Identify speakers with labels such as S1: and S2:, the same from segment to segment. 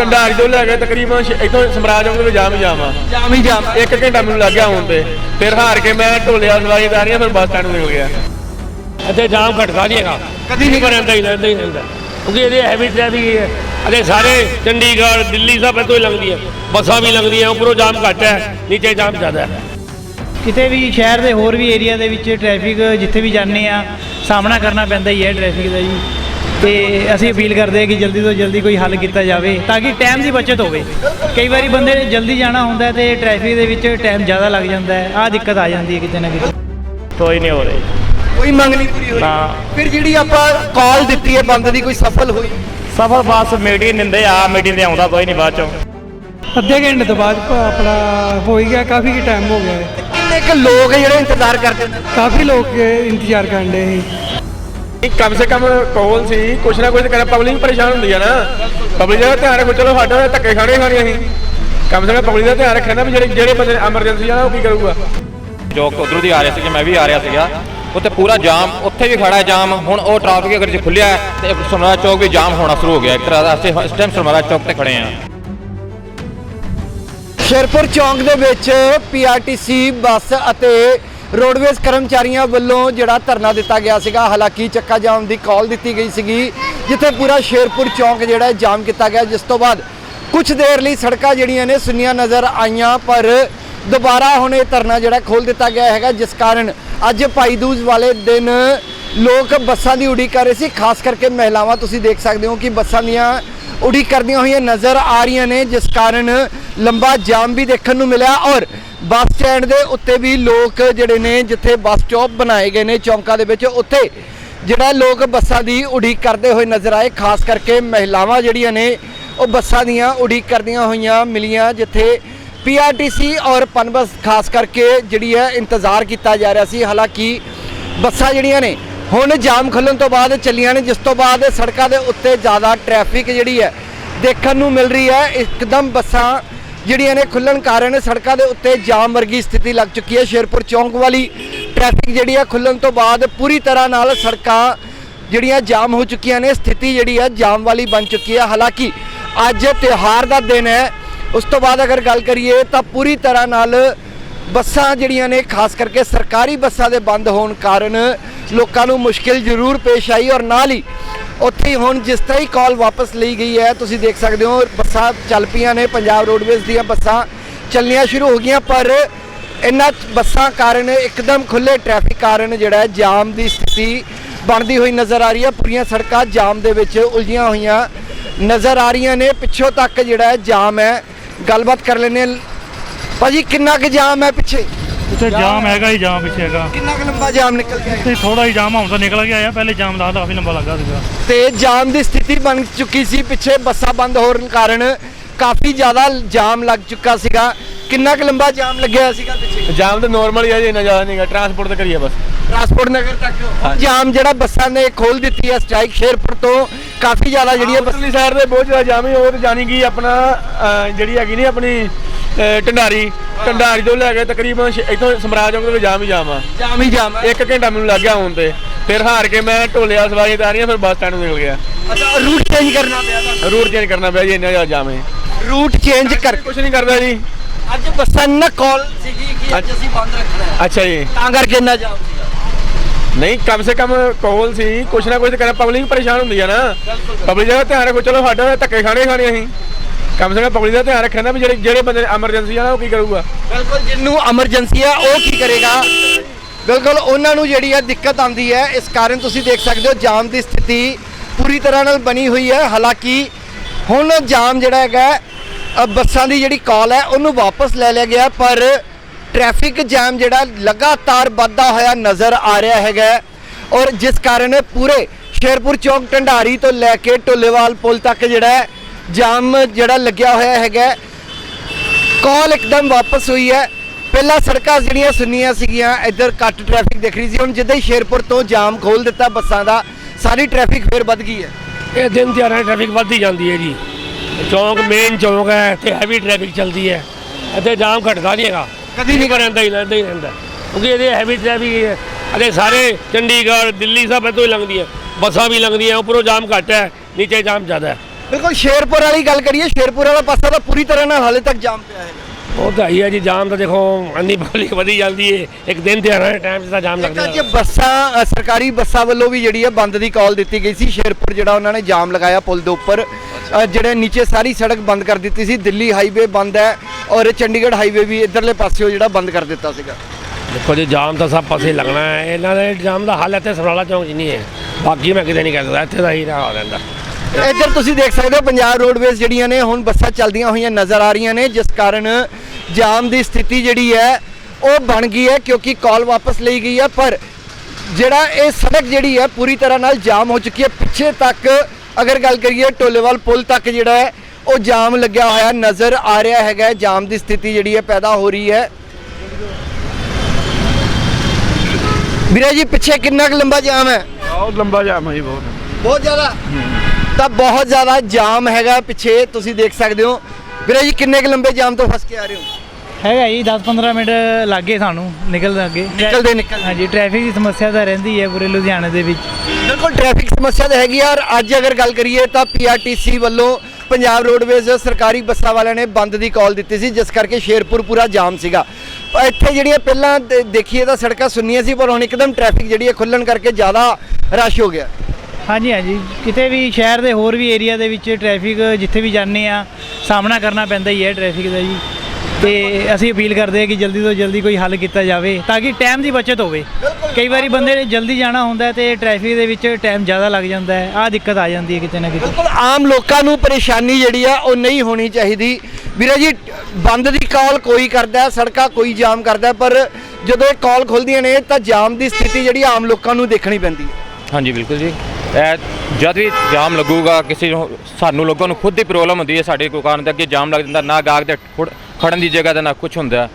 S1: ਢੰਡਾਰੀ ਤੋਂ ਲੈ ਕੇ ਤਕਰੀਬਨ ਇੱਥੋਂ ਸਮਰਾਜ ਆਉਂਦੇ ਜਾਮ ਹੀ ਜਾਮ ਆ।
S2: ਜਾਮ ਹੀ ਜਾਮ।
S1: 1 ਘੰਟਾ ਮੈਨੂੰ ਲੱਗ ਗਿਆ ਆਉਣ ਤੇ, ਫਿਰ ਹਾਰ ਕੇ ਮੈਂ ਢੋਲਿਆ ਸਵਾਰੀਦਾਰੀਆਂ, ਫਿਰ ਬੱਸ ਸਟੈਂਡ ਨਿਕਲ ਗਿਆ।
S3: ਇੱਥੇ ਜਾਮ ਘਟਦਾ ਨਹੀਂ ਹੈਗਾ,
S2: ਕਦੀ ਨਹੀਂ
S3: ਰਹਿੰਦਾ ਹੀ ਰਹਿੰਦਾ ਕਿਉਂਕਿ ਇਹਦੇ ਹੈਵੀ ਟ੍ਰੈਫਿਕ ਹੈ। ਅਤੇ ਸਾਰੇ ਚੰਡੀਗੜ੍ਹ ਦਿੱਲੀ ਸਭ ਇੱਥੋਂ ਹੀ ਲੰਘਦੀਆਂ, ਬੱਸਾਂ ਵੀ ਲੰਘਦੀਆਂ। ਉੱਪਰੋਂ ਜਾਮ ਘੱਟ ਹੈ, ਨੀਚੇ ਜਾਮ ਜ਼ਿਆਦਾ ਹੈ।
S4: ਕਿਤੇ ਵੀ ਸ਼ਹਿਰ ਦੇ ਹੋਰ ਵੀ ਏਰੀਆ ਦੇ ਵਿੱਚ ਟ੍ਰੈਫਿਕ ਜਿੱਥੇ ਵੀ ਜਾਂਦੇ ਆ ਸਾਹਮਣਾ ਕਰਨਾ ਪੈਂਦਾ ਹੀ ਹੈ ਟ੍ਰੈਫਿਕ ਦਾ ਜੀ। ਤੇ ਅਸੀਂ ਅਪੀਲ ਕਰਦੇ ਹਾਂ ਕਿ ਜਲਦੀ ਤੋਂ ਜਲਦੀ ਕੋਈ ਹੱਲ ਕੀਤਾ ਜਾਵੇ ਤਾਂ ਕਿ ਟਾਈਮ ਦੀ ਬਚਤ ਹੋਵੇ। ਕਈ ਵਾਰੀ ਬੰਦੇ ਨੇ ਜਲਦੀ ਜਾਣਾ ਹੁੰਦਾ ਤੇ ਟ੍ਰੈਫਿਕ ਦੇ ਵਿੱਚ ਟਾਈਮ ਜ਼ਿਆਦਾ ਲੱਗ ਜਾਂਦਾ ਹੈ, ਆਹ ਦਿੱਕਤ ਆ ਜਾਂਦੀ ਹੈ ਕਿਤੇ ਨਾ ਕਿਤੇ।
S3: ਕੋਈ ਨਹੀਂ ਹੋ ਰਹੀ,
S2: ਕੋਈ ਮੰਗ ਨਹੀਂ ਪੂਰੀ ਹੋਈ। ਫਿਰ ਜਿਹੜੀ ਆਪਾਂ ਕਾਲ ਦਿੱਤੀ ਹੈ ਬੰਦ ਦੀ, ਕੋਈ ਸਫਲ ਹੋਈ?
S3: ਸਫਰ ਬੱਸ ਮੀਟਿੰਗ ਦਿੰਦੇ ਆ, ਮੀਟਿੰਗ ਤੇ ਆਉਂਦਾ ਕੋਈ ਨਹੀਂ ਬਾਅਦ ਚੋਂ।
S5: ਅੱਧੇ ਘੰਟੇ ਤੋਂ ਬਾਅਦ ਆਪਣਾ ਹੋ ਹੀ ਗਿਆ, ਕਾਫੀ ਟਾਈਮ ਹੋ ਗਿਆ ਹੈ।
S2: ਕਿੰਨੇ ਕੁ ਲੋਕ ਹੈ ਜਿਹੜੇ ਇੰਤਜ਼ਾਰ ਕਰਦੇ ਨੇ?
S5: ਕਾਫੀ ਲੋਕ ਇੰਤਜ਼ਾਰ ਕਰਨ ਦੇ ਸੀ।
S1: ਕਮ ਸੇ ਕਮ ਕੋਲ ਸੀ, ਕੁਛ ਨਾ ਕੁਛ ਕਰੇ। ਪਬਲਿਕ ਪਰੇਸ਼ਾਨ ਹੁੰਦੀ ਆ ਨਾ, ਪਬਲਿਕ ਦਾ ਧਿਆਨ ਰੱਖੋ। ਚਲੋ ਸਾਡੇ ਧੱਕੇ ਖਾਣੇ ਅਸੀਂ ਕਮ ਸੇ ਕਮ ਪਬਲਿਕ ਦਾ ਧਿਆਨ ਰੱਖਣਾ ਵੀ ਜਿਹੜੇ ਬੰਦੇ ਐਮਰਜੈਂਸੀ ਆ ਉਹ ਕੀ ਕਰੂਗਾ।
S6: ਜੋ ਉਧਰੋਂ ਦੀ ਆ ਰਿਹਾ ਸੀ, ਮੈਂ ਵੀ ਆ ਰਿਹਾ ਸੀਗਾ, ਉੱਥੇ ਪੂਰਾ ਜਾਮ, ਉੱਥੇ ਵੀ ਖੜਾ ਹੈ ਜਾਮ। ਹੁਣ ਉਹ ਟ੍ਰੈਫਿਕ ਅਗਰ ਜੇ ਖੁੱਲਿਆ ਹੈ ਤੇ ਸਮਰਾਲਾ ਚੌਕ ਵੀ ਜਾਮ ਹੋਣਾ ਸ਼ੁਰੂ ਹੋ ਗਿਆ। ਇੱਕ ਤਰ੍ਹਾਂ ਦਾ ਅਸੀਂ ਇਸ ਟਾਈਮ ਸਮਰਾਲਾ ਚੌਕ ਤੇ ਖੜੇ ਹਾਂ।
S2: ਸ਼ੇਰਪੁਰ ਚੌਂਕ ਦੇ ਵਿੱਚ ਪੀਆਰਟੀਸੀ ਬੱਸ ਅਤੇ ਰੋਡਵੇਜ਼ ਕਰਮਚਾਰੀਆਂ ਵੱਲੋਂ ਜਿਹੜਾ ਧਰਨਾ ਦਿੱਤਾ ਗਿਆ ਸੀਗਾ। ਹਾਲਾਂਕਿ ਚੱਕਾ ਜਾਮ ਦੀ ਕਾਲ ਦਿੱਤੀ ਗਈ ਸੀਗੀ, ਜਿੱਥੇ ਪੂਰਾ ਸ਼ੇਰਪੁਰ ਚੌਂਕ ਜਿਹੜਾ ਜਾਮ ਕੀਤਾ ਗਿਆ, ਜਿਸ ਤੋਂ ਬਾਅਦ ਕੁਝ ਦੇਰ ਲਈ ਸੜਕਾਂ ਜਿਹੜੀਆਂ ਨੇ ਸੁੰਨੀਆਂ ਨਜ਼ਰ ਆਈਆਂ। ਪਰ ਦੁਬਾਰਾ ਹੁਣ ਇਹ ਧਰਨਾ ਜਿਹੜਾ ਖੋਲ੍ਹ ਦਿੱਤਾ ਗਿਆ ਹੈਗਾ, ਜਿਸ ਕਾਰਨ ਅੱਜ ਭਾਈ ਦੂਜ ਵਾਲੇ ਦਿਨ ਲੋਕ ਬੱਸਾਂ ਦੀ ਉਡੀਕ ਕਰ ਰਹੇ ਸੀ। ਖਾਸ ਕਰਕੇ ਮਹਿਲਾਵਾਂ ਤੁਸੀਂ ਦੇਖ ਸਕਦੇ ਹੋ ਕਿ ਬੱਸਾਂ ਦੀਆਂ ਉਡੀਕ ਕਰਦੀਆਂ ਹੋਈਆਂ ਨਜ਼ਰ ਆ ਰਹੀਆਂ ਨੇ, ਜਿਸ ਕਾਰਨ ਲੰਬਾ ਜਾਮ ਵੀ ਦੇਖਣ ਨੂੰ ਮਿਲਿਆ। ਔਰ ਬੱਸ ਸਟੈਂਡ ਦੇ ਉੱਤੇ ਵੀ ਲੋਕ ਜਿਹੜੇ ਨੇ, ਜਿੱਥੇ ਬੱਸ ਸਟਾਪ ਬਣਾਏ ਗਏ ਨੇ ਚੌਂਕਾਂ ਦੇ ਵਿੱਚ, ਉੱਥੇ ਜਿਹੜਾ ਲੋਕ ਬੱਸਾਂ ਦੀ ਉਡੀਕ ਕਰਦੇ ਹੋਏ ਨਜ਼ਰ ਆਏ। ਖਾਸ ਕਰਕੇ ਮਹਿਲਾਵਾਂ ਜਿਹੜੀਆਂ ਨੇ ਉਹ ਬੱਸਾਂ ਦੀਆਂ ਉਡੀਕ ਕਰਦੀਆਂ ਹੋਈਆਂ ਮਿਲੀਆਂ, ਜਿੱਥੇ ਪੀਆਰਟੀਸੀ ਔਰ ਪਨਬਸ ਖਾਸ ਕਰਕੇ ਜਿਹੜੀ ਹੈ ਇੰਤਜ਼ਾਰ ਕੀਤਾ ਜਾ ਰਿਹਾ ਸੀ। ਹਾਲਾਂਕਿ ਬੱਸਾਂ ਜਿਹੜੀਆਂ ਨੇ ਹੁਣ ਜਾਮ ਖੁੱਲ੍ਹਣ ਤੋਂ ਬਾਅਦ ਚੱਲੀਆਂ ਨੇ, ਜਿਸ ਤੋਂ ਬਾਅਦ ਸੜਕਾਂ ਦੇ ਉੱਤੇ ਜ਼ਿਆਦਾ ਟ੍ਰੈਫਿਕ ਜਿਹੜੀ ਹੈ ਦੇਖਣ ਨੂੰ ਮਿਲ ਰਹੀ ਹੈ। ਇੱਕਦਮ ਬੱਸਾਂ ਜਿਹੜੀਆਂ ਨੇ ਖੁੱਲ੍ਹਣ ਕਾਰਨ ਸੜਕਾਂ ਦੇ ਉੱਤੇ ਜਾਮ ਵਰਗੀ ਸਥਿਤੀ ਲੱਗ ਚੁੱਕੀ ਹੈ। ਸ਼ੇਰਪੁਰ ਚੌਂਕ ਵਾਲੀ ਟ੍ਰੈਫਿਕ ਜਿਹੜੀ ਹੈ ਖੁੱਲ੍ਹਣ ਤੋਂ ਬਾਅਦ ਪੂਰੀ ਤਰ੍ਹਾਂ ਨਾਲ ਸੜਕਾਂ ਜਿਹੜੀਆਂ ਜਾਮ ਹੋ ਚੁੱਕੀਆਂ ਨੇ, ਸਥਿਤੀ ਜਿਹੜੀ ਹੈ ਜਾਮ ਵਾਲੀ ਬਣ ਚੁੱਕੀ ਹੈ। ਹਾਲਾਂਕਿ ਅੱਜ ਤਿਉਹਾਰ ਦਾ ਦਿਨ ਹੈ, ਉਸ ਤੋਂ ਬਾਅਦ ਅਗਰ ਗੱਲ ਕਰੀਏ ਤਾਂ ਪੂਰੀ ਤਰ੍ਹਾਂ ਨਾਲ ਬੱਸਾਂ ਜਿਹੜੀਆਂ ਨੇ ਖਾਸ ਕਰਕੇ ਸਰਕਾਰੀ ਬੱਸਾਂ ਦੇ ਬੰਦ ਹੋਣ ਕਾਰਨ ਲੋਕਾਂ ਨੂੰ ਮੁਸ਼ਕਿਲ ਜ਼ਰੂਰ ਪੇਸ਼ ਆਈ। ਔਰ ਨਾਲ ਹੀ ਉੱਥੇ ਹੀ ਹੁਣ ਜਿਸ ਤਰ੍ਹਾਂ ਹੀ ਕਾਲ ਵਾਪਸ ਲਈ ਗਈ ਹੈ, ਤੁਸੀਂ ਦੇਖ ਸਕਦੇ ਹੋ ਬੱਸਾਂ ਚੱਲ ਪਈਆਂ ਨੇ, ਪੰਜਾਬ ਰੋਡਵੇਜ਼ ਦੀਆਂ ਬੱਸਾਂ ਚੱਲਣੀਆਂ ਸ਼ੁਰੂ ਹੋ ਗਈਆਂ। ਪਰ ਇਹਨਾਂ ਬੱਸਾਂ ਕਾਰਨ ਇੱਕਦਮ ਖੁੱਲ੍ਹੇ ਟ੍ਰੈਫਿਕ ਕਾਰਨ ਜਿਹੜਾ ਜਾਮ ਦੀ ਸਥਿਤੀ ਬਣਦੀ ਹੋਈ ਨਜ਼ਰ ਆ ਰਹੀ ਹੈ। ਪੂਰੀਆਂ ਸੜਕਾਂ ਜਾਮ ਦੇ ਵਿੱਚ ਉਲਝੀਆਂ ਹੋਈਆਂ ਨਜ਼ਰ ਆ ਰਹੀਆਂ ਨੇ। ਪਿੱਛੋਂ ਤੱਕ ਜਿਹੜਾ ਜਾਮ ਹੈ, ਗੱਲਬਾਤ ਕਰ ਲੈਂਦੇ ਹਾਂ। ਭਾਜੀ ਕਿੰਨਾ ਕੁ ਜਾਮ ਹੈ ਪਿੱਛੇ?
S7: ਉੱਥੇ ਜਾਮ ਹੈਗਾ ਹੀ, ਜਾਮ ਪਿੱਛੇ ਹੈਗਾ।
S2: ਕਿੰਨਾ ਕੁ ਲੰਬਾ ਜਾਮ ਨਿਕਲ ਗਿਆ?
S7: ਤੇ ਥੋੜਾ ਹੀ ਜਾਮ ਹੁਣ ਤਾਂ ਨਿਕਲ ਗਿਆ ਆ, ਪਹਿਲੇ ਜਾਮ ਦਾ ਕਾਫੀ ਲੰਬਾ ਲੱਗਾ ਸੀਗਾ।
S2: ਤੇ ਜਾਮ ਦੀ ਸਥਿਤੀ ਬਣ ਚੁੱਕੀ ਸੀ, ਪਿੱਛੇ ਬੱਸਾਂ ਬੰਦ ਹੋਣ ਕਾਰਨ ਕਾਫੀ ਜ਼ਿਆਦਾ ਜਾਮ ਲੱਗ ਚੁੱਕਾ ਸੀਗਾ। ਕਿੰਨਾ ਕੁ ਲੰਬਾ ਜਾਮ ਲੱਗਿਆ ਸੀਗਾ ਪਿੱਛੇ?
S1: ਜਾਮ ਤਾਂ ਨੋਰਮਲ ਹੀ ਆ ਜੀ, ਇੰਨਾ ਜ਼ਿਆਦਾ ਨਹੀਂਗਾ। ਟਰਾਂਸਪੋਰਟ ਤੇ ਕਰੀਏ ਬਸ,
S2: ਟਰਾਂਸਪੋਰਟ ਨਗਰ ਤੱਕ ਜਾਮ ਜਿਹੜਾ ਬੱਸਾਂ ਨੇ ਖੋਲ ਦਿੱਤੀ ਹੈ ਸਟ੍ਰਾਈਕ। ਸ਼ੇਰਪੁਰ ਤੋਂ ਕਾਫੀ ਜ਼ਿਆਦਾ ਜਿਹੜੀ
S1: ਬੱਸਲੀ ਸਾਈਡ ਤੇ ਬਹੁਤ ਜ਼ਿਆਦਾ ਜਾਮ ਹੀ, ਉਹ ਤੇ ਜਾਣੀ ਕਿ ਆਪਣਾ ਜਿਹੜੀ ਹੈਗੀ ਨਹੀਂ ਆਪਣੀ ਢੰਡਾਰੀ ਤੋਂ ਲੈ ਕੇ ਤਕਰੀਬਨ ਇੱਥੋਂ ਸਮਰਾਜ ਆਉਂਦੇ ਜਾਮ ਹੀ ਜਾਮ ਆ।
S2: ਜਾਮ ਹੀ ਜਾਮ।
S1: 1 ਘੰਟਾ ਮੈਨੂੰ ਲੱਗ ਗਿਆ ਆਉਣ ਤੇ, ਫਿਰ ਹਾਰ ਕੇ ਮੈਂ ਢੋਲਿਆ ਸਵਾਰੀਦਾਰੀਆਂ, ਫਿਰ ਬੱਸ ਸਟੈਂਡ ਨਿਕਲ ਗਿਆ।
S2: ਅੱਛਾ, ਰੂਟ ਚੇਂਜ ਕਰਨਾ ਪਿਆ ਤੁਹਾਨੂੰ?
S1: ਰੂਟ ਚੇਂਜ ਕਰਨਾ ਪਿਆ ਜੀ, ਇੰਨਾ ਜ਼ਿਆਦਾ ਜਾਮ ਹੈ।
S2: ਰੂਟ ਚੇਂਜ ਕਰ
S1: ਕੁਛ ਨਹੀਂ ਕਰਦਾ ਜੀ।
S2: ਅੱਜ ਬੱਸਾਂ ਨਾ ਕਾਲ ਸੀਗੀ ਕਿ ਅੱਜ ਅਸੀਂ ਬੰਦ ਰੱਖਣਾ ਹੈ,
S1: ਅੱਛਾ ਜੀ,
S2: ਤਾਂ ਕਰਕੇ ਇੰਨਾ ਜਾਮ ਸੀਗਾ।
S1: ਨਹੀਂ ਕਮ ਸੇ ਕਮ ਕੋਲ ਸੀ, ਕੁਛ ਨਾ ਕੁਛ ਕਰੇ। ਪਬਲਿਕ ਪਰੇਸ਼ਾਨ ਹੁੰਦੀ ਆ ਨਾ, ਪਬਲਿਕ ਦਾ ਧਿਆਨ ਰੱਖੋ। ਚਲੋ ਸਾਡੇ ਧੱਕੇ ਖਾਣੇ ਅਸੀਂ ਕਮ ਸੇ ਕਮ ਪਬਲਿਕ ਦਾ ਧਿਆਨ ਰੱਖਣਾ ਵੀ ਜਿਹੜੇ ਬੰਦੇ ਐਮਰਜੈਂਸੀ ਆ ਉਹ ਕੀ ਕਰੂਗਾ।
S2: ਬਿਲਕੁਲ, ਜਿਹਨੂੰ ਐਮਰਜੈਂਸੀ ਆ ਉਹ ਕੀ ਕਰੇਗਾ। ਬਿਲਕੁਲ, ਉਹਨਾਂ ਨੂੰ ਜਿਹੜੀ ਹੈ ਦਿੱਕਤ ਆਉਂਦੀ ਹੈ। ਇਸ ਕਾਰਨ ਤੁਸੀਂ ਦੇਖ ਸਕਦੇ ਹੋ ਜਾਮ ਦੀ ਸਥਿਤੀ ਪੂਰੀ ਤਰ੍ਹਾਂ ਨਾਲ ਬਣੀ ਹੋਈ ਹੈ। ਹਾਲਾਂਕਿ ਹੁਣ ਜਾਮ ਜਿਹੜਾ ਹੈਗਾ ਬੱਸਾਂ ਦੀ ਜਿਹੜੀ ਕਾਲ ਹੈ ਉਹਨੂੰ ਵਾਪਸ ਲੈ ਲਿਆ ਗਿਆ, ਪਰ ਟ੍ਰੈਫਿਕ ਜਾਮ ਜਿਹੜਾ ਲਗਾਤਾਰ ਵੱਧਦਾ ਹੋਇਆ ਨਜ਼ਰ ਆ ਰਿਹਾ ਹੈਗਾ। ਔਰ ਜਿਸ ਕਾਰਨ ਪੂਰੇ ਸ਼ੇਰਪੁਰ ਚੌਕ ਢੰਡਾਰੀ ਤੋਂ ਲੈ ਕੇ ਢੋਲੇਵਾਲ ਪੁਲ ਤੱਕ ਜਿਹੜਾ ਜਾਮ ਜਿਹੜਾ ਲੱਗਿਆ ਹੋਇਆ ਹੈਗਾ। ਕਾਲ ਇੱਕਦਮ ਵਾਪਸ ਹੋਈ ਹੈ। ਪਹਿਲਾਂ ਸੜਕਾਂ ਜਿਹੜੀਆਂ ਸੁੰਨੀਆਂ ਸੀਗੀਆਂ, ਇੱਧਰ ਘੱਟ ਟ੍ਰੈਫਿਕ ਦਿਖ ਰਹੀ ਸੀ। ਹੁਣ ਜਿੱਦਾਂ ਹੀ ਸ਼ੇਰਪੁਰ ਤੋਂ ਜਾਮ ਖੋਲ੍ਹ ਦਿੱਤਾ ਬੱਸਾਂ ਦਾ, ਸਾਰੀ ਟ੍ਰੈਫਿਕ ਫਿਰ ਵੱਧ ਗਈ ਹੈ।
S3: ਇਹ ਦਿਨ ਤਿਉਹਾਰਾਂ ਟ੍ਰੈਫਿਕ ਵੱਧਦੀ ਜਾਂਦੀ ਹੈ ਜੀ। ਚੌਂਕ ਮੇਨ ਚੌਂਕ ਹੈ, ਇੱਥੇ ਹੈਵੀ ਟ੍ਰੈਫਿਕ ਚੱਲਦੀ ਹੈ। ਇੱਥੇ ਜਾਮ ਘਟਦਾ ਨਹੀਂ ਹੈਗਾ,
S2: ਕਦੀ ਨਹੀਂ
S3: ਰਹਿੰਦਾ ਹੀ ਰਹਿੰਦਾ ਕਿਉਂਕਿ ਇਹਦੇ ਹੈਵੀ ਟ੍ਰੈਫਿਕ ਹੈ। ਅਤੇ ਸਾਰੇ ਚੰਡੀਗੜ੍ਹ ਦਿੱਲੀ ਸਭ ਇੱਥੋਂ ਹੀ ਲੰਘਦੀਆਂ, ਬੱਸਾਂ ਵੀ ਲੰਘਦੀਆਂ। ਉੱਪਰੋਂ ਜਾਮ ਘੱਟ ਹੈ, ਨੀਚੇ ਜਾਮ ਜ਼ਿਆਦਾ ਹੈ।
S2: ਬਿਲਕੁਲ ਸ਼ੇਰਪੁਰ ਵਾਲੀ ਗੱਲ ਕਰੀਏ, ਸ਼ੇਰਪੁਰ ਵਾਲਾ ਪਾਸਾ ਤਾਂ ਪੂਰੀ ਤਰ੍ਹਾਂ ਨਾਲ ਹਾਲੇ ਤੱਕ ਜਾਮ ਪਿਆ ਹੈ।
S3: ਉਹ ਤਾਂ ਹੀ ਹੈ ਜੀ, ਜਾਮ ਤਾਂ ਦੇਖੋ ਅੰਨੀ ਪਬਲਿਕ ਵਧੀ ਜਾਂਦੀ ਹੈ, ਇੱਕ ਦਿਨ ਤਿਉਹਾਰਾਂ ਦੇ ਟਾਈਮ 'ਚ ਤਾਂ ਜਾਮ ਲੱਗਦਾ।
S2: ਅੱਜ ਬੱਸਾਂ ਸਰਕਾਰੀ ਬੱਸਾਂ ਵੱਲੋਂ ਵੀ ਜਿਹੜੀ ਹੈ ਬੰਦ ਦੀ ਕਾਲ ਦਿੱਤੀ ਗਈ ਸੀ। ਸ਼ੇਰਪੁਰ ਜਿਹੜਾ ਉਹਨਾਂ ਨੇ ਜਾਮ ਲਗਾਇਆ ਪੁਲ ਦੇ ਉੱਪਰ, ਜਿਹੜੇ ਨੀਚੇ ਸਾਰੀ ਸੜਕ ਬੰਦ ਕਰ ਦਿੱਤੀ ਸੀ। ਦਿੱਲੀ ਹਾਈਵੇ ਬੰਦ ਹੈ ਔਰ ਚੰਡੀਗੜ੍ਹ ਹਾਈਵੇ ਵੀ ਇਧਰਲੇ ਪਾਸਿਓਂ ਜਿਹੜਾ ਬੰਦ ਕਰ ਦਿੱਤਾ ਸੀਗਾ।
S3: ਦੇਖੋ ਜੀ, ਜਾਮ ਤਾਂ ਸਭ ਪਾਸੇ ਲੱਗਣਾ ਹੈ, ਇਹਨਾਂ ਦੇ ਜਾਮ ਦਾ ਹੱਲ ਇੱਥੇ ਸਮਰਾਲਾ ਚੌਂਕ 'ਚ ਨਹੀਂ ਹੈ, ਬਾਕੀ ਮੈਂ ਕਿਤੇ ਨਹੀਂ ਕਹਿ ਸਕਦਾ, ਇੱਥੇ ਦਾ ਹੀ ਰਹਾ ਰਹਿੰਦਾ।
S2: ਇੱਧਰ ਤੁਸੀਂ ਦੇਖ ਸਕਦੇ ਹੋ ਪੰਜਾਬ ਰੋਡਵੇਜ਼ ਜਿਹੜੀਆਂ ਨੇ ਹੁਣ ਬੱਸਾਂ ਚੱਲਦੀਆਂ ਹੋਈਆਂ ਨਜ਼ਰ ਆ ਰਹੀਆਂ ਨੇ, ਜਿਸ ਕਾਰਨ ਜਾਮ ਦੀ ਸਥਿਤੀ ਜਿਹੜੀ ਹੈ ਉਹ ਬਣ ਗਈ ਹੈ, ਕਿਉਂਕਿ ਕਾਲ ਵਾਪਸ ਲਈ ਗਈ ਹੈ। ਪਰ ਜਿਹੜਾ ਇਹ ਸੜਕ ਜਿਹੜੀ ਹੈ ਪੂਰੀ ਤਰ੍ਹਾਂ ਨਾਲ ਜਾਮ ਹੋ ਚੁੱਕੀ ਹੈ। ਪਿੱਛੇ ਤੱਕ ਅਗਰ ਗੱਲ ਕਰੀਏ ਟੋਲੇਵਾਲ ਪੁਲ ਤੱਕ ਜਿਹੜਾ ਹੈ ਉਹ ਜਾਮ ਲੱਗਿਆ ਹੋਇਆ ਨਜ਼ਰ ਆ ਰਿਹਾ ਹੈਗਾ। ਜਾਮ ਦੀ ਸਥਿਤੀ ਜਿਹੜੀ ਹੈ ਪੈਦਾ ਹੋ ਰਹੀ ਹੈ। ਵੀਰੇ ਜੀ ਪਿੱਛੇ ਕਿੰਨਾ ਕੁ ਲੰਬਾ ਜਾਮ ਹੈ?
S1: ਬਹੁਤ ਲੰਬਾ ਜਾਮ ਹੈ ਜੀ,
S2: ਬਹੁਤ ਜ਼ਿਆਦਾ। ਤਾਂ ਬਹੁਤ ਜ਼ਿਆਦਾ ਜਾਮ ਹੈਗਾ ਪਿੱਛੇ, ਤੁਸੀਂ ਦੇਖ ਸਕਦੇ ਹੋ। ਵੀਰੇ ਜੀ ਕਿੰਨੇ ਕੁ ਲੰਬੇ ਜਾਮ ਤੋਂ ਫਸ ਕੇ ਆ ਰਹੇ ਹੋ?
S4: ਹੈਗਾ ਜੀ 10-15 ਮਿੰਟ ਲੱਗੇ ਸਾਨੂੰ ਨਿਕਲਦੇ ਅੱਗੇ।
S2: ਨਿਕਲਦੇ
S4: ਹਾਂਜੀ, ਟ੍ਰੈਫਿਕ ਦੀ ਸਮੱਸਿਆ ਤਾਂ ਰਹਿੰਦੀ ਹੈ ਪੂਰੇ ਲੁਧਿਆਣੇ ਦੇ ਵਿੱਚ।
S2: ਬਿਲਕੁਲ ਟ੍ਰੈਫਿਕ ਸਮੱਸਿਆ ਤਾਂ ਹੈਗੀ ਆ। ਔਰ ਅੱਜ ਅਗਰ ਗੱਲ ਕਰੀਏ ਤਾਂ ਪੀਆਰਟੀਸੀ ਵੱਲੋਂ ਪੰਜਾਬ ਰੋਡਵੇਜ਼ ਸਰਕਾਰੀ ਬੱਸਾਂ ਵਾਲਿਆਂ ਨੇ ਬੰਦ ਦੀ ਕਾਲ ਦਿੱਤੀ ਸੀ, ਜਿਸ ਕਰਕੇ ਸ਼ੇਰਪੁਰ ਪੂਰਾ ਜਾਮ ਸੀਗਾ। ਇੱਥੇ ਜਿਹੜੀਆਂ ਪਹਿਲਾਂ ਦੇਖੀਏ ਤਾਂ ਸੜਕਾਂ ਸੁੰਨੀਆਂ ਸੀ, ਪਰ ਹੁਣ ਇੱਕਦਮ ਟ੍ਰੈਫਿਕ ਜਿਹੜੀ ਹੈ ਖੁੱਲਣ ਕਰਕੇ ਜ਼ਿਆਦਾ ਰਸ਼ ਹੋ ਗਿਆ।
S4: ਹਾਂਜੀ ਹਾਂਜੀ, ਕਿਤੇ ਵੀ ਸ਼ਹਿਰ ਦੇ ਹੋਰ ਵੀ ਏਰੀਆ ਦੇ ਵਿੱਚ ਟ੍ਰੈਫਿਕ ਜਿੱਥੇ ਵੀ ਜਾਂਦੇ ਆ ਸਾਹਮਣਾ ਕਰਨਾ ਪੈਂਦਾ ਹੀ ਹੈ ਟ੍ਰੈਫਿਕ ਦਾ ਜੀ। ਤੇ ਅਸੀਂ ਅਪੀਲ ਕਰਦੇ ਹਾਂ ਕਿ ਜਲਦੀ ਤੋਂ ਜਲਦੀ ਕੋਈ ਹੱਲ ਕੀਤਾ ਜਾਵੇ ਤਾਂ ਕਿ ਟਾਈਮ ਦੀ ਬਚਤ ਹੋਵੇ। ਕਈ ਵਾਰੀ ਬੰਦੇ ਨੇ ਜਲਦੀ ਜਾਣਾ ਹੁੰਦਾ ਤੇ ਟ੍ਰੈਫਿਕ ਦੇ ਵਿੱਚ ਟਾਈਮ ਜ਼ਿਆਦਾ ਲੱਗ ਜਾਂਦਾ ਹੈ, ਆਹ ਦਿੱਕਤ ਆ ਜਾਂਦੀ ਹੈ ਕਿਤੇ ਨਾ ਕਿਤੇ।
S2: ਬਿਲਕੁਲ ਆਮ ਲੋਕਾਂ ਨੂੰ ਪਰੇਸ਼ਾਨੀ ਜਿਹੜੀ ਆ ਉਹ ਨਹੀਂ ਹੋਣੀ ਚਾਹੀਦੀ। ਵੀਰੇ ਜੀ ਬੰਦ ਦੀ ਕਾਲ ਕੋਈ ਕਰਦਾ, ਸੜਕਾਂ ਕੋਈ ਜਾਮ ਕਰਦਾ, ਪਰ ਜਦੋਂ ਇਹ ਕਾਲ ਖੁੱਲ੍ਹਦੀਆਂ ਨੇ ਤਾਂ ਜਾਮ ਦੀ ਸਥਿਤੀ ਜਿਹੜੀ ਆਮ ਲੋਕਾਂ ਨੂੰ ਦੇਖਣੀ ਪੈਂਦੀ ਹੈ।
S6: ਹਾਂਜੀ ਬਿਲਕੁਲ ਜੀ, ਇਹ ਜਦ ਵੀ ਜਾਮ ਲੱਗੂਗਾ ਕਿਸੇ ਨੂੰ, ਸਾਨੂੰ ਲੋਕਾਂ ਨੂੰ ਖੁਦ ਦੀ ਪ੍ਰੋਬਲਮ ਹੁੰਦੀ ਹੈ। ਸਾਡੀ ਦੁਕਾਨ ਦੇ ਅੱਗੇ ਜਾਮ ਲੱਗ ਜਾਂਦਾ, ਨਾ ਗਾਹਕ ਦੇ ਖੜਨ ਦੀ ਜਗ੍ਹਾ ਤੇ ਨਾ ਕੁਝ ਹੁੰਦਾ,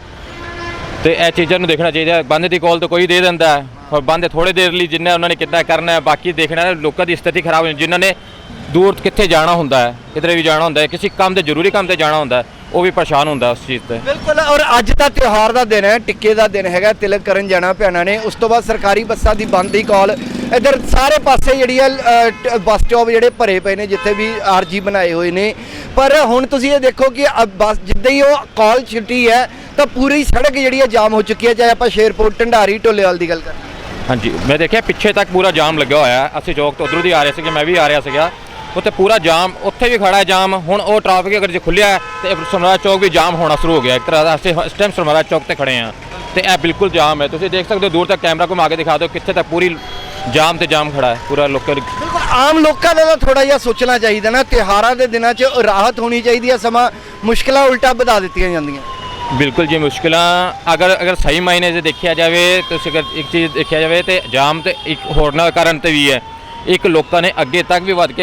S6: ਤੇ ਇਹ ਚੀਜ਼ਾਂ ਨੂੰ ਦੇਖਣਾ ਚਾਹੀਦਾ। ਬੰਦ ਦੀ ਕਾਲ ਤਾਂ ਕੋਈ ਦੇ ਦਿੰਦਾ ਹੈ, ਔਰ ਬੰਦ ਥੋੜੇ ਦੇਰ ਲਈ ਜਿੰਨਾ ਉਹਨਾਂ ਨੇ ਕਿੱਦਾਂ ਕਰਨਾ ਹੈ, ਬਾਕੀ ਦੇਖਣਾ ਲੋਕਾਂ ਦੀ ਸਥਿਤੀ ਖਰਾਬ ਹੋ ਜਾਂਦੀ। ਜਿਨ੍ਹਾਂ ਨੇ ਦੂਰ ਕਿੱਥੇ ਜਾਣਾ ਹੁੰਦਾ ਹੈ, ਕਿਧਰੇ ਵੀ ਜਾਣਾ ਹੁੰਦਾ ਹੈ, ਕਿਸੇ ਕੰਮ ਤੇ ਜ਼ਰੂਰੀ ਕੰਮ ਤੇ ਜਾਣਾ ਹੁੰਦਾ ਹੈ, ਉਹ ਵੀ ਪਰੇਸ਼ਾਨ ਹੁੰਦਾ ਉਸ ਚੀਜ਼ ਤੇ।
S2: ਬਿਲਕੁਲ। ਔਰ ਅੱਜ ਦਾ ਤਿਉਹਾਰ ਦਾ ਦਿਨ ਹੈ, ਟਿੱਕੇ ਦਾ ਦਿਨ ਹੈਗਾ, ਤਿਲਕ ਕਰਨ ਜਾਣਾ ਭੈਣਾਂ ਨੇ। ਉਸ ਤੋਂ ਬਾਅਦ ਸਰਕਾਰੀ ਬੱਸਾਂ ਦੀ ਬੰਦ ਦੀ ਕਾਲ। ਇੱਧਰ ਸਾਰੇ ਪਾਸੇ ਜਿਹੜੀ ਹੈ ਬੱਸ ਸਟਾਪ ਜਿਹੜੇ ਭਰੇ ਪਏ ਨੇ, ਜਿੱਥੇ ਵੀ ਆਰਜੀ ਬਣਾਏ ਹੋਏ ਨੇ। ਪਰ ਹੁਣ ਤੁਸੀਂ ਇਹ ਦੇਖੋ ਕਿ ਬੱਸ ਜਿੱਦਾਂ ਹੀ ਉਹ ਕਾਲ ਛੁੱਟੀ ਹੈ ਤਾਂ ਪੂਰੀ ਸੜਕ ਜਿਹੜੀ ਹੈ ਜਾਮ ਹੋ ਚੁੱਕੀ ਹੈ, ਚਾਹੇ ਆਪਾਂ ਸ਼ੇਰਪੁਰ, ਢੰਡਾਰੀ, ਢੋਲੇਵਾਲ ਦੀ ਗੱਲ ਕਰੀਏ।
S6: ਹਾਂਜੀ, ਮੈਂ ਦੇਖਿਆ ਪਿੱਛੇ ਤੱਕ ਪੂਰਾ ਜਾਮ ਲੱਗਿਆ ਹੋਇਆ ਹੈ। ਅਸੀਂ ਚੌਕ ਤੋਂ ਉੱਧਰੋਂ ਦੀ ਆ ਰਹੇ ਸੀਗੇ, ਮੈਂ ਵੀ ਆ ਰਿਹਾ ਸੀਗਾ, ਉੱਥੇ ਪੂਰਾ ਜਾਮ, ਉੱਥੇ ਵੀ ਖੜਾ ਹੈ ਜਾਮ। ਹੁਣ ਉਹ ਟ੍ਰੈਫਿਕ ਅਗਰ ਜੇ ਖੁੱਲਿਆ ਤੇ ਸਮਰਾਲਾ ਚੌਕ ਵੀ ਜਾਮ ਹੋਣਾ ਸ਼ੁਰੂ ਹੋ ਗਿਆ। ਇੱਕ ਤਰ੍ਹਾਂ ਦਾ ਅਸੀਂ ਇਸ ਟਾਈਮ ਸਮਰਾਲਾ ਚੌਕ ਤੇ ਖੜੇ ਹਾਂ ਤੇ ਇਹ ਬਿਲਕੁਲ ਜਾਮ ਹੈ। ਤੁਸੀਂ ਦੇਖ ਸਕਦੇ ਹੋ, ਦੂਰ ਤੱਕ ਕੈਮਰਾ ਘੁਮਾ ਕੇ ਦਿਖਾ ਦਿਓ, ਕਿੱਥੇ ਤੱਕ ਪੂਰੀ ਜਾਮ ਤੇ ਜਾਮ ਖੜਾ ਹੈ ਪੂਰਾ। ਲੋਕਾਂ ਦੀ
S2: ਬਿਲਕੁਲ ਆਮ ਲੋਕਾਂ ਦਾ ਤਾਂ ਥੋੜਾ ਜਿਹਾ ਸੋਚਣਾ ਚਾਹੀਦਾ ਨਾ। ਤਿਉਹਾਰਾਂ ਦੇ ਦਿਨਾਂ 'ਚ ਰਾਹਤ ਹੋਣੀ ਚਾਹੀਦੀ ਹੈ, ਸਮਾਂ ਮੁਸ਼ਕਲਾਂ ਉਲਟਾ ਵਧਾ ਦਿੱਤੀਆਂ ਜਾਂਦੀਆਂ।
S6: ਬਿਲਕੁਲ ਜੀ, ਮੁਸ਼ਕਿਲਾਂ ਅਗਰ ਸਹੀ ਮਾਇਨੇ 'ਚ ਦੇਖਿਆ ਜਾਵੇ, ਤੁਸੀਂ ਅਗਰ ਇੱਕ ਚੀਜ਼ ਦੇਖਿਆ ਜਾਵੇ ਤੇ ਜਾਮ ਤੇ ਇੱਕ ਹੋਰਨਾਂ ਕਾਰਨ ਤੇ ਵੀ ਹੈ। ਇੱਕ ਲੋਕਾਂ ਨੇ ਅੱਗੇ ਤੱਕ ਵੀ ਵੱਧ ਕੇ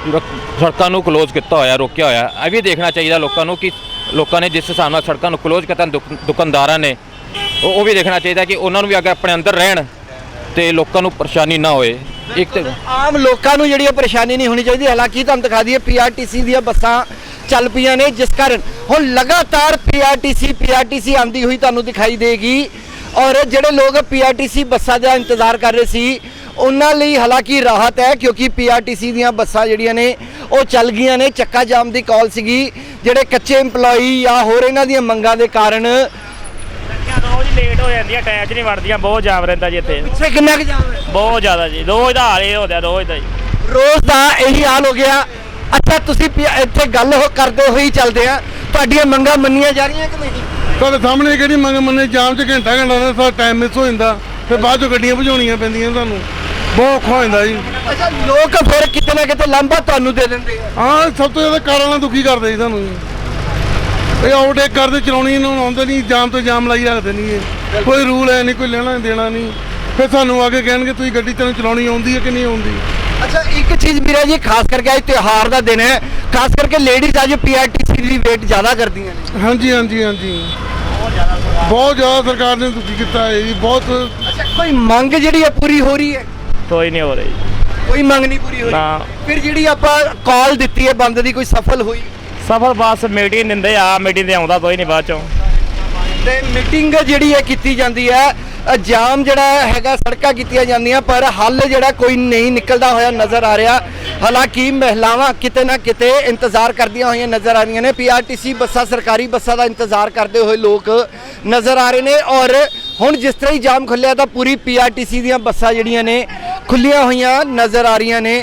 S6: ਸੜਕਾਂ ਨੂੰ ਕਲੋਜ਼ ਕੀਤਾ ਹੋਇਆ, ਰੋਕਿਆ ਹੋਇਆ। ਇਹ ਵੀ ਦੇਖਣਾ ਚਾਹੀਦਾ ਲੋਕਾਂ ਨੂੰ ਕਿ ਲੋਕਾਂ ਨੇ ਜਿਸ ਹਿਸਾਬ ਨਾਲ ਸੜਕਾਂ ਨੂੰ ਕਲੋਜ਼ ਕੀਤਾ, ਦੁਕਾਨਦਾਰਾਂ ਨੇ ਉਹ ਵੀ ਦੇਖਣਾ ਚਾਹੀਦਾ ਕਿ ਉਹਨਾਂ ਨੂੰ ਵੀ ਅਗਰ ਆਪਣੇ ਅੰਦਰ ਰਹਿਣ ਤੇ ਲੋਕਾਂ ਨੂੰ ਪਰੇਸ਼ਾਨੀ ਨਾ ਹੋਏ। ਇੱਕ ਤੇ
S2: ਆਮ ਲੋਕਾਂ ਨੂੰ ਜਿਹੜੀ ਪਰੇਸ਼ਾਨੀ ਨਹੀਂ ਹੋਣੀ ਚਾਹੀਦੀ। ਹਾਲਾਂਕਿ ਤੁਹਾਨੂੰ ਦਿਖਾ ਦਈਏ ਪੀਆਰਟੀਸੀ ਦੀਆਂ ਬੱਸਾਂ ਚੱਲ ਪਈਆਂ ਨੇ, ਜਿਸ ਕਾਰਨ ਹੁਣ ਲਗਾਤਾਰ ਪੀਆਰਟੀਸੀ ਆਉਂਦੀ ਹੋਈ ਤੁਹਾਨੂੰ ਦਿਖਾਈ ਦੇਗੀ। ਔਰ ਜਿਹੜੇ ਲੋਕ ਪੀਆਰਟੀਸੀ ਬੱਸਾਂ ਦਾ ਇੰਤਜ਼ਾਰ ਕਰ ਰਹੇ ਸੀ ਉਹਨਾਂ ਲਈ ਹਾਲਾਂਕਿ ਰਾਹਤ ਹੈ, ਕਿਉਂਕਿ ਪੀਆਰਟੀਸੀ ਦੀਆਂ ਬੱਸਾਂ ਜਿਹੜੀਆਂ ਨੇ ਉਹ ਚੱਲ ਗਈਆਂ ਨੇ। ਚੱਕਾ ਜਾਮ ਦੀ ਕਾਲ ਸੀਗੀ, ਜਿਹੜੇ ਕੱਚੇ EMPLOYEE ਜਾਂ ਹੋਰ ਇਹਨਾਂ ਦੀਆਂ ਮੰਗਾਂ ਦੇ ਕਾਰਨ
S7: ਰੋਜ਼ ਲੇਟ ਹੋ ਜਾਂਦੀਆਂ, ਟਾਈਮ 'ਚ ਨਹੀਂ ਵੜਦੀਆਂ, ਬਹੁਤ ਜਾਮ ਰਹਿੰਦਾ ਜੀ ਇੱਥੇ।
S2: ਪਿੱਛੇ ਕਿੰਨਾ ਕੁ ਜਾਮ ਹੈ?
S7: ਬਹੁਤ ਜ਼ਿਆਦਾ ਜੀ, ਰੋਜ਼ ਦਾ ਹਾਲ ਇਹ ਹੋ ਰਿਹਾ, ਰੋਜ਼ ਦਾ ਜੀ।
S2: ਰੋਜ਼ ਦਾ ਇਹੀ ਹਾਲ ਹੋ ਗਿਆ। ਅੱਛਾ ਤੁਸੀਂ ਇੱਥੇ ਗੱਲ ਕਰਦੇ ਹੋਈ ਚੱਲਦੇ ਆ, ਤੁਹਾਡੀਆਂ ਮੰਗਾਂ ਮੰਨੀਆਂ ਜਾ ਰਹੀਆਂ ਕਿ ਨਹੀਂ?
S8: ਤੁਹਾਡੇ ਸਾਹਮਣੇ ਕਿਹੜੀ ਮੰਗ ਮੰਨੇ, ਜਾਮ 'ਚ ਘੰਟਾ ਦਾ ਸਾਡਾ ਟਾਈਮ ਮਿਸ ਹੋ ਜਾਂਦਾ, ਫਿਰ ਬਾਅਦ 'ਚੋਂ ਗੱਡੀਆਂ ਭਜਾਉਣੀਆਂ ਪੈਂਦੀਆਂ, ਤੁਹਾਨੂੰ ਬਹੁਤ ਔਖਾ ਹੋ ਜਾਂਦਾ ਜੀ।
S2: ਅੱਛਾ ਲੋਕ ਫਿਰ ਕਿਤੇ ਨਾ ਕਿਤੇ ਲਾਂਭਾ ਤੁਹਾਨੂੰ ਦੇ ਦਿੰਦੇ ਆ।
S8: ਹਾਂ, ਸਭ ਤੋਂ ਜ਼ਿਆਦਾ ਕਾਰਾਂ ਨਾਲ ਦੁਖੀ ਕਰਦੇ ਜੀ ਸਾਨੂੰ ਜੀ। ਇਹ ਓਵਰਟੇਕ ਕਰਦੇ, ਚਲਾਉਣੀ ਇਹਨਾਂ ਨੂੰ ਆਉਂਦੇ ਨਹੀਂ, ਜਾਮ ਤੋਂ ਜਾਮ ਲਾਈ ਰੱਖਦੇ ਨਹੀਂ। ਇਹ ਕੋਈ ਰੂਲ ਹੈ ਨਹੀਂ, ਕੋਈ ਲੈਣਾ ਦੇਣਾ ਨਹੀਂ। ਫਿਰ ਸਾਨੂੰ ਆ ਕੇ ਕਹਿਣਗੇ ਤੁਸੀਂ ਗੱਡੀ ਤੈਨੂੰ ਚਲਾਉਣੀ ਆਉਂਦੀ ਹੈ ਕਿ ਨਹੀਂ ਆਉਂਦੀ।
S2: ਅੱਛਾ ਇੱਕ ਚੀਜ਼ ਵੀਰਾ ਜੀ, ਖਾਸ ਕਰਕੇ ਅੱਜ ਤਿਉਹਾਰ ਦਾ ਦਿਨ ਹੈ, ਖਾਸ ਕਰਕੇ ਲੇਡੀਜ਼ ਅੱਜ ਪੀਆਰਟੀਸੀ ਦੀ ਵੇਟ ਜ਼ਿਆਦਾ ਕਰਦੀਆਂ ਨੇ।
S8: ਹਾਂਜੀ ਹਾਂਜੀ ਹਾਂਜੀ, ਬਹੁਤ ਜ਼ਿਆਦਾ ਸਰਕਾਰ ਨੇ ਦੁਖੀ ਕੀਤਾ ਹੈ ਜੀ, ਬਹੁਤ।
S2: ਅੱਛਾ ਕੋਈ ਮੰਗ ਜਿਹੜੀ ਹੈ ਪੂਰੀ ਹੋ ਰਹੀ ਹੈ?
S7: ਕੋਈ ਨਹੀਂ ਹੋ ਰਹੀ,
S2: ਕੋਈ ਮੰਗ ਨਹੀਂ ਪੂਰੀ ਹੋ
S7: ਨਾ।
S2: ਰਹੀ। ਫਿਰ ਜਿਹੜੀ ਆਪਾਂ ਕਾਲ ਦਿੱਤੀ ਹੈ ਬੰਦ ਦੀ, ਕੋਈ ਸਫਲ ਹੋਈ?
S7: ਸਫਲ ਬਸ ਮੀਟਿੰਗ ਦਿੰਦੇ ਆ, ਮੀਟਿੰਗ ਤੇ ਆਉਂਦਾ ਕੋਈ ਨਹੀਂ ਬਾਅਦ ਚੋਂ।
S2: ਤੇ ਮੀਟਿੰਗ ਜਿਹੜੀ ਹੈ ਕੀਤੀ ਜਾਂਦੀ ਹੈ, ਜਾਮ ਜਿਹੜਾ ਹੈਗਾ, ਸੜਕਾਂ ਕੀਤੀਆਂ ਜਾਂਦੀਆਂ, ਪਰ ਹੱਲ ਜਿਹੜਾ ਕੋਈ ਨਹੀਂ ਨਿਕਲਦਾ ਹੋਇਆ ਨਜ਼ਰ ਆ ਰਿਹਾ। ਹਾਲਾਂਕਿ ਮਹਿਲਾਵਾਂ ਕਿਤੇ ਨਾ ਕਿਤੇ ਇੰਤਜ਼ਾਰ ਕਰਦੀਆਂ ਹੋਈਆਂ ਨਜ਼ਰ ਆ ਰਹੀਆਂ ਨੇ। ਪੀਆਰਟੀਸੀ ਬੱਸਾਂ, ਸਰਕਾਰੀ ਬੱਸਾਂ ਦਾ ਇੰਤਜ਼ਾਰ ਕਰਦੇ ਹੋਏ ਲੋਕ ਨਜ਼ਰ ਆ ਰਹੇ ਨੇ। ਔਰ ਹੁਣ ਜਿਸ ਤਰ੍ਹਾਂ ਹੀ ਜਾਮ ਖੁੱਲਿਆ ਤਾਂ ਪੂਰੀ ਪੀਆਰਟੀਸੀ ਦੀਆਂ ਬੱਸਾਂ ਜਿਹੜੀਆਂ ਨੇ ਖੁੱਲੀਆਂ ਹੋਈਆਂ ਨਜ਼ਰ ਆ ਰਹੀਆਂ ਨੇ।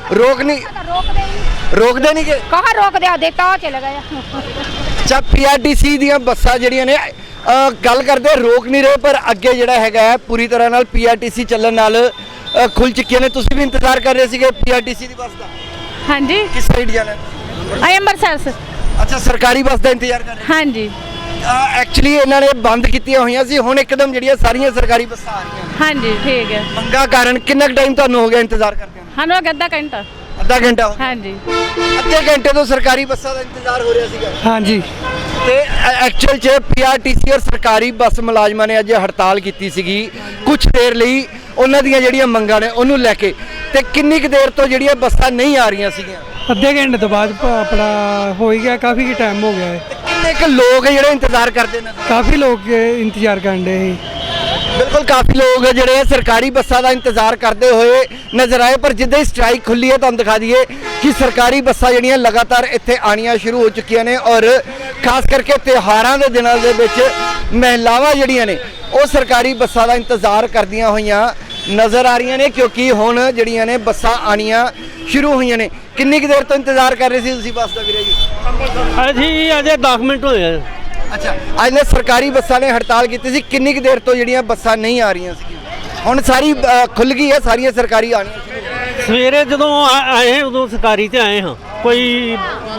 S2: ਰੋਕਦੇ ਨਹੀਂ ਕਿ
S9: कहाँ रोक दिया देखता हुआ चले गया
S2: ਅੱਛਾ, ਪੀਆਰਟੀਸੀ ਦੀਆਂ ਬੱਸਾਂ ਜਿਹੜੀਆਂ ਨੇ ਗੱਲ ਕਰਦੇ ਰੋਕ ਨਹੀਂ ਰਹੇ, ਪਰ ਅੱਗੇ ਜਿਹੜਾ ਹੈਗਾ ਹੈ ਪੂਰੀ ਤਰ੍ਹਾਂ ਨਾਲ ਪੀਆਰਟੀਸੀ ਚੱਲਣ ਨਾਲ ਖੁੱਲ ਚੁੱਕੀਆਂ ਨੇ। ਤੁਸੀਂ ਵੀ ਇੰਤਜ਼ਾਰ ਕਰ ਰਹੇ ਸੀਗੇ ਪੀਆਰਟੀਸੀ ਦੀ ਬੱਸ ਦਾ?
S9: हाँ जी
S2: ਕਿਸ ਸਾਈਡ ਜਾਣਾ?
S9: आई अमृतसर से
S2: ਅੱਛਾ, ਸਰਕਾਰੀ ਬੱਸ ਦਾ ਇੰਤਜ਼ਾਰ ਕਰ ਰਹੇ?
S9: हाँ जी
S2: ਐਕਚੁਅਲੀ ਇਹਨਾਂ ਨੇ ਬੰਦ ਕੀਤੀਆਂ ਹੋਈਆਂ ਸੀ, ਹੁਣ ਇੱਕਦਮ ਜਿਹੜੀਆਂ ਸਾਰੀਆਂ ਸਰਕਾਰੀ ਬੱਸਾਂ ਆ ਰਹੀਆਂ ਨੇ।
S9: हाँ जी ठीक है
S2: ਮੰਗਾ ਕਾਰਨ ਕਿੰਨਾ ਟਾਈਮ ਤੁਹਾਨੂੰ ਹੋ ਗਿਆ ਇੰਤਜ਼ਾਰ ਕਰਦੇ ਨੂੰ?
S9: हाँ लोग अद्धा घंटा
S2: ਅੱਧਾ ਘੰਟਾ ਹੋ ਗਿਆ।
S9: हाँ जी
S2: ਅੱਧੇ ਘੰਟੇ ਤੋਂ ਸਰਕਾਰੀ ਬੱਸਾਂ ਦਾ ਇੰਤਜ਼ਾਰ ਹੋ ਰਿਹਾ ਸੀਗਾ
S5: ਹਾਂਜੀ
S2: ਤੇ ਐਕਚੁਅਲ 'ਚ ਪੀਆਰਟੀਸੀ ਔਰ ਸਰਕਾਰੀ ਬੱਸ ਮੁਲਾਜ਼ਮਾਂ ਨੇ ਅੱਜ ਹੜਤਾਲ ਕੀਤੀ ਸੀਗੀ ਕੁਝ ਦੇਰ ਲਈ ਉਹਨਾਂ ਦੀਆਂ ਜਿਹੜੀਆਂ ਮੰਗਾਂ ਨੇ ਉਹਨੂੰ ਲੈ ਕੇ। ਤੇ ਕਿੰਨੀ ਕੁ ਦੇਰ ਤੋਂ ਜਿਹੜੀਆਂ ਬੱਸਾਂ ਨਹੀਂ ਆ ਰਹੀਆਂ ਸੀਗੀਆਂ?
S5: ਅੱਧੇ ਘੰਟੇ ਤੋਂ ਬਾਅਦ ਆਪਣਾ ਹੋ ਹੀ ਗਿਆ, ਕਾਫੀ ਟਾਈਮ ਹੋ ਗਿਆ ਹੈ।
S2: ਕਿੰਨੇ ਕੁ ਲੋਕ ਜਿਹੜੇ ਇੰਤਜ਼ਾਰ ਕਰਦੇ ਨੇ?
S5: ਕਾਫੀ ਲੋਕ ਇੰਤਜ਼ਾਰ ਕਰਨ ਦੇ ਸੀ।
S2: ਬਿਲਕੁਲ ਕਾਫੀ ਲੋਕ ਜਿਹੜੇ ਆ ਸਰਕਾਰੀ ਬੱਸਾਂ ਦਾ ਇੰਤਜ਼ਾਰ ਕਰਦੇ ਹੋਏ ਨਜ਼ਰ ਆਏ। ਪਰ ਜਿੱਦਾਂ ਹੀ ਸਟ੍ਰਾਈਕ ਖੁੱਲੀ ਹੈ ਤੁਹਾਨੂੰ ਦਿਖਾ ਦਈਏ ਕਿ ਸਰਕਾਰੀ ਬੱਸਾਂ ਜਿਹੜੀਆਂ ਲਗਾਤਾਰ ਇੱਥੇ ਆਣੀਆਂ ਸ਼ੁਰੂ ਹੋ ਚੁੱਕੀਆਂ ਨੇ। ਔਰ ਖਾਸ ਕਰਕੇ ਤਿਉਹਾਰਾਂ ਦੇ ਦਿਨਾਂ ਦੇ ਵਿੱਚ ਮਹਿਲਾਵਾਂ ਜਿਹੜੀਆਂ ਨੇ ਉਹ ਸਰਕਾਰੀ ਬੱਸਾਂ ਦਾ ਇੰਤਜ਼ਾਰ ਕਰਦੀਆਂ ਹੋਈਆਂ ਨਜ਼ਰ ਆ ਰਹੀਆਂ ਨੇ, ਕਿਉਂਕਿ ਹੁਣ ਜਿਹੜੀਆਂ ਨੇ ਬੱਸਾਂ ਆਣੀਆਂ ਸ਼ੁਰੂ ਹੋਈਆਂ ਨੇ। ਕਿੰਨੀ ਕੁ ਦੇਰ ਤੋਂ ਇੰਤਜ਼ਾਰ ਕਰ ਰਹੇ ਸੀ ਤੁਸੀਂ ਬੱਸ ਦਾ ਵੀਰੇ ਜੀ?
S3: ਅਸੀਂ ਅਜੇ 10 ਮਿੰਟ ਹੋਏ ਆ।
S2: ਅੱਛਾ, ਅੱਜ ਨੇ ਸਰਕਾਰੀ ਬੱਸਾਂ ਨੇ ਹੜਤਾਲ ਕੀਤੀ ਸੀ। ਕਿੰਨੀ ਕੁ ਦੇਰ ਤੋਂ ਜਿਹੜੀਆਂ ਬੱਸਾਂ ਨਹੀਂ ਆ ਰਹੀਆਂ ਸੀਗੀਆਂ? ਹੁਣ ਸਾਰੀ ਖੁੱਲ ਗਈ ਹੈ, ਸਾਰੀਆਂ ਸਰਕਾਰੀ ਆਣੀਆਂ ਸ਼ੁਰੂ ਹੋ ਗਈਆਂ।
S3: ਸਵੇਰੇ ਜਦੋਂ ਆਏ ਉਦੋਂ ਸਰਕਾਰੀ ਤੇ ਆਏ ਹਾਂ, ਕੋਈ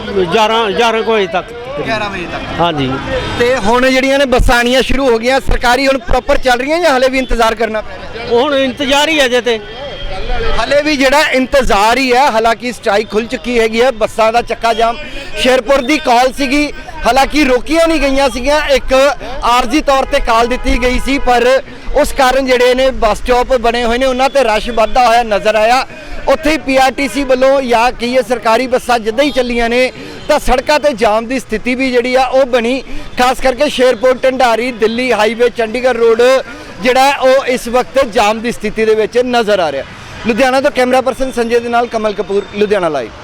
S3: 11 ਵਜੇ ਤੱਕ।
S2: 11 ਵਜੇ ਤੱਕ।
S3: ਹਾਂਜੀ
S2: ਤੇ ਹੁਣ ਜਿਹੜੀਆਂ ਨੇ ਬੱਸਾਂ ਆਣੀਆਂ ਸ਼ੁਰੂ ਹੋ ਗਈਆਂ। ਸਰਕਾਰੀ ਹੁਣ ਪ੍ਰੋਪਰ ਚੱਲ ਰਹੀਆਂ ਜਾਂ ਹਲੇ ਵੀ ਇੰਤਜ਼ਾਰ ਕਰਨਾ ਪੈ ਰਿਹਾ?
S3: ਹੁਣ ਇੰਤਜ਼ਾਰ ਹੀ ਅਜੇ ਤੇ
S2: ਹਲੇ ਵੀ ਜਿਹੜਾ ਇੰਤਜ਼ਾਰ ਹੀ ਹੈ। ਹਾਲਾਂਕਿ ਸਟ੍ਰਾਈਕ ਖੁੱਲ ਚੁੱਕੀ ਹੈਗੀ ਹੈ। ਬੱਸਾਂ ਦਾ ਚੱਕਾ ਜਾਮ ਸ਼ੇਰਪੁਰ ਦੀ ਕਾਲ ਸੀਗੀ, ਹਾਲਾਂਕਿ ਰੋਕੀਆਂ ਨਹੀਂ ਗਈਆਂ ਸੀਗੀਆਂ। ਇੱਕ ਆਰਜ਼ੀ ਤੌਰ ਤੇ ਕਾਲ ਦਿੱਤੀ ਗਈ ਸੀ, ਪਰ ਉਸ ਕਾਰਨ ਜਿਹੜੇ ਨੇ ਬੱਸ ਸਟਾਪ ਬਣੇ ਹੋਏ ਨੇ ਉਹਨਾਂ ਤੇ ਰਸ਼ ਵੱਧਦਾ ਹੋਇਆ ਨਜ਼ਰ ਆਇਆ। ਉੱਥੇ ਹੀ ਪੀਆਰਟੀਸੀ ਵੱਲੋਂ ਜਾਂ ਕੀ ਇਹ ਸਰਕਾਰੀ ਬੱਸਾਂ ਜਿੱਦਾਂ ਹੀ ਚੱਲੀਆਂ ਨੇ ਤਾਂ ਸੜਕਾਂ ਤੇ ਜਾਮ ਦੀ ਸਥਿਤੀ ਵੀ ਜਿਹੜੀ ਆ ਉਹ ਬਣੀ। ਖਾਸ ਕਰਕੇ ਸ਼ੇਰਪੁਰ ਢੰਡਾਰੀ ਦਿੱਲੀ ਹਾਈਵੇ ਚੰਡੀਗੜ੍ਹ ਰੋਡ ਜਿਹੜਾ ਉਹ ਇਸ ਵਕਤ ਜਾਮ ਦੀ ਸਥਿਤੀ ਦੇ ਵਿੱਚ ਨਜ਼ਰ ਆ ਰਿਹਾ। ਲੁਧਿਆਣਾ ਤੋਂ ਕੈਮਰਾ ਪਰਸਨ ਸੰਜੇ ਦੇ ਨਾਲ ਕਮਲ ਕਪੂਰ, ਲੁਧਿਆਣਾ ਲਾਈਵ।